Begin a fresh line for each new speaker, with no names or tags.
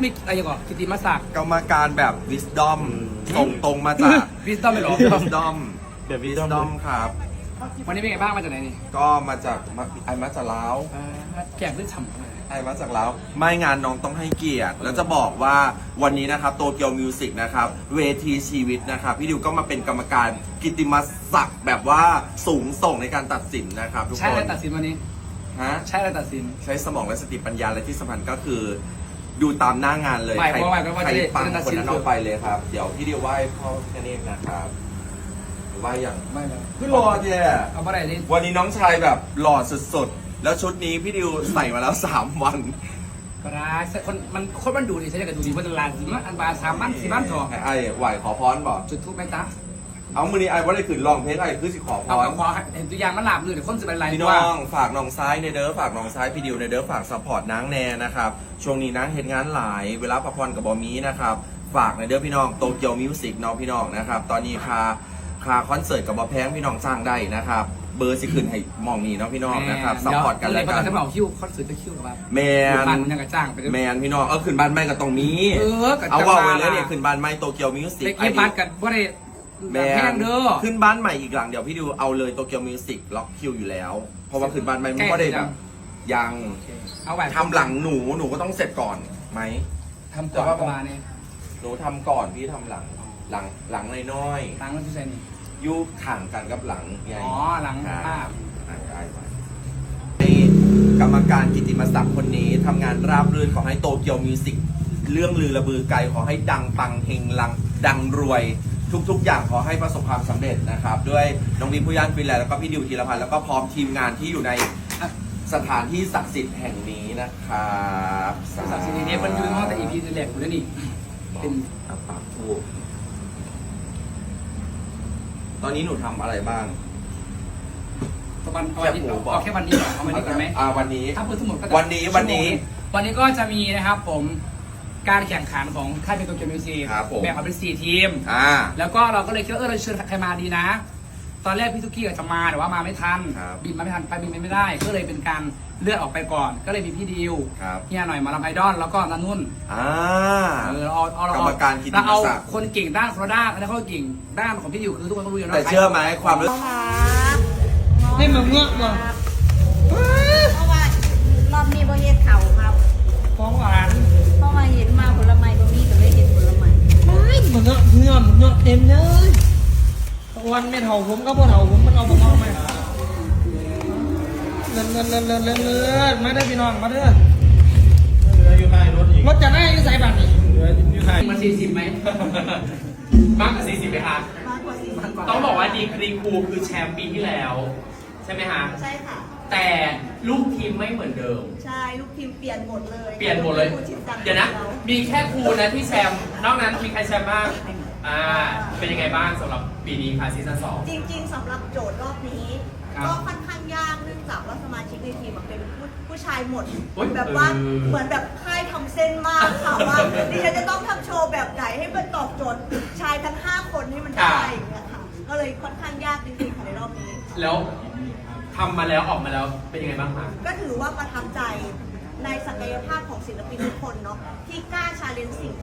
มีอะไรก่อนกิติมศักดิ์
กรรมการแบบ wisdom ส่งตรงมาจาก
Wisdom ไม่หรอ
wisdom
เดี๋ยว
wisdom ครับ
วันนี้เป็นไงบ้างมาจากไหนนี่
ก็มาจากไอมาจากลาว
แกงด้วยฉ่ำ
ไอมาจากลาวไม่งานน้องต้องให้เกียรติแล้วจะบอกว่าวันนี้นะครับโตเกียวมิวสิกนะครับเวทีชีวิตนะครับพี่ดิวก็มาเป็นกรรมการกิตติมศักดิ์แบบว่าสูงส่งในการตัดสินนะครับทุก
ใช่
ค
อะไร
น
ตัดสินวันนี้
ฮะ
ใช่อะไรตัดสิน
ใช้สมองและสติปัญญาและที่สำคัญก็คือ ดูตามหน้างานเลย
ไม่
ใคร
เพราะว่า
ใคร
จะได้
ปัง
จะได้ตัด
คน
สิน
นั้นเอาไปเลยครับ เดี๋ยวพี่ดิวไหว้พ่อแค่นี้นะครับไหว้อย่าง
ไม่เลย
พี่รอเจ้
เอาอะไรดิ
วันนี้น้องชายแบบหล่อสุดๆแล้วชุดนี้พี่ดิวใส่มาแล้ว3 วัน
ก็ได้คนมันดูดิใช่ไหมกันดูดิมันลานสิมันอันบาสามมันสี่มันทอง
ไอ้ไหวขอพรบอก
จุดทูบไหมจ๊ะ
เอามือนี้ไอ้ว่าได้ขึ้นลองเพลงไอ้คือสิขอพ
เอา
ร
ขอเห็นตัวอย่างมันหลาบเลยเดี๋ยวคนจะเป็นไร
พี่น้องฝากน้องซ้ายในเด้อฝากน้องซ้ายพี่ดิวในเด้อฝากซัพพอร์ตนางแน่นะครับช่วงนี้นางเห็นงานหลายเวลาพักผ่อนกับบอมีนะครับฝากในเด้อพี่น้องโตเกียวมิวสิกน้องพี่น้องนะครับตอนนี้คาคอนเสิร์ตกับบอแพงพี่น้องจ้างได้นะครับเบอร์สิขึ้นให้มองนี่น้องพี่น้องนะครับซัพพอร์ตกันแล้วกัน
จะเอาคิวคอนเสิร์ตจะคิวกับว่า
แมน
มันยังกระจ้างไปด้วย
แมนพี่น้องขึ้นบ้านไม่กับตรงนี้
กับ
เอาว่าไว้เลยเนี่ยขึ้นบ้านไม่โตเกียวมิวสิก
เล็กยี่ปัดกันว่าได้
แม
แพ
น
งเด้อ
ขึ้นบ้านใหม่อีกหลังเดี๋ยวพี่ดิวเอาเลยโตเกียวมิวสิกล็อกคิวอยู่แล้วเพราะว่าขึ้นบ้านใหม่มันก็ได้แบบยัง
เอาไว้
ทำหลังหนูก็ต้องเสร็จก่อนไหม
ทำก่อนประมาณนี้
หนูทำก่อนพี่ทำหลังน้อย
ตังค์แล้วที่ใส่นี่
ๆยุข่างกันกับหลังใหญ่
อ๋อหลังภาพ
ได้ไว้นี่กรรมการกิตติมศักดิ์คนนี้ทำงานราบรื่นขอให้โตเกียวมิวสิกเรื่องลือระบือไกลขอให้ดังปังเฮงลังดังรวย ทุกๆอย่างขอให้ประสบความสำเร็จนะครับด้วยน้องบีมผู้ย่านฟินแลนด์แล้วก็พี่ดิวธีรพันธ์แล้วก็พร้อมทีมงานที่อยู่ในสถานที่ศักดิ์สิทธิ์แห่งนี้นะครับ
สักสิ่งนี้มันอยู่ในห้องแต่ EP แรกคุณแล้วนี่เป็น
ปากทูบตอนนี้หนูทำอะไรบ้าง
ประมาณเอาแค่วันนี้ก่อนเอาวันนี้ก่อนไหม
วันนี้
ถ้าพูดทั้งหมดก็
วันนี้
ก็จะมีนะครับผมการแข่งขันของค่ายเป็นโตเกียวมิวสิก
ครับผม
แบ่งออกเป็น4 ทีม
อ่า
แล้วก็เราก็เลยคิดว่าเราเชิญใครมาดีนะ ตอนแรกพี่ทุกกี้จะมาแต่ว่ามาไม่ทัน
ครับ
บินมาไม่ทันไปบินไม่ได้ ก็เลยเป็นการเลื่อนออกไปก่อน ก็เลยมีพี่ดิว
ครับ
เฮียหน่อยมาลำไอดอลแล้วก็นันนุ่น
อ่า
เรา
กรรมการกิตติมศักดิ์
คนเก่งด้านคนละด้านแล้วก็เก่งด้านของพี่ดิวคือทุกคนก็รู้อยู่แล้ว
แต่เชื่อไหมความรู้
ให้มึงเงาะมา
เพราะว่ารอบนี้บ่เฮ็ดเข่าครับ
ของหวาน
เพราะว่าเห็นมาผลไม้บ่มีก็เลยเฮ็ดผลไม้
ไม่มึงเงาะเต็มเลยวันไม่เท่าผมก็บ่เท่าผมมันเอาผมเอาไหมเลิศมาได้พี่น้องมาเด้อ
อยู่ท้ายรถอีก
รถจะได้ใส่บัตรนี่
อยู่ท้าย
มัน40ไหมมากกว่า40ไหมคะ
มากกว่า4
ต้องบอกว่าดีกรีครูคือแชมป์ปีที่แล้ว ใช่ไหมฮะ
ใช่ค่ะ
แต่ลูกทีมไม่เหมือนเดิม
ใช่ลูกทีมเปลี่ยนหมดเลย
เปลี่ยนหมดเลย
ครูชินจัง
เดี๋ยวนะ
รา
มีแค่ครูนะที่แชมป์นอกนั้นมีใครแชมป์บ้างเป็นยังไงบ้างสำหรับปีนี้ค่ะซีซั่น2
จริงๆสำหรับโจทย์รอบนี้ ก็ค่อนข้างยากเนื่องจากว่าสมาชิกในทีมอะเป็นผู้ชายหมดแบบว่าเหมือนแบบค่ายทำเส้นมากค่ะว่าดิฉันจะต้องทำโชว์แบบไหนให้มันตอบโจทย์ชายทั้ง5 คนให้มันได้อย่างเงี้ยค่ะก็เลยค่อนข้างยากจริงๆค่ะในรอบนี้
แล้วทำมาแล้วออกมาแล้วเป็นยังไงบ้างคะ
ก็ถือว่าประทับใจในศักยภาพของศิลปินทุกคนเนาะที่กล้าชาเลนจ์สิ่ง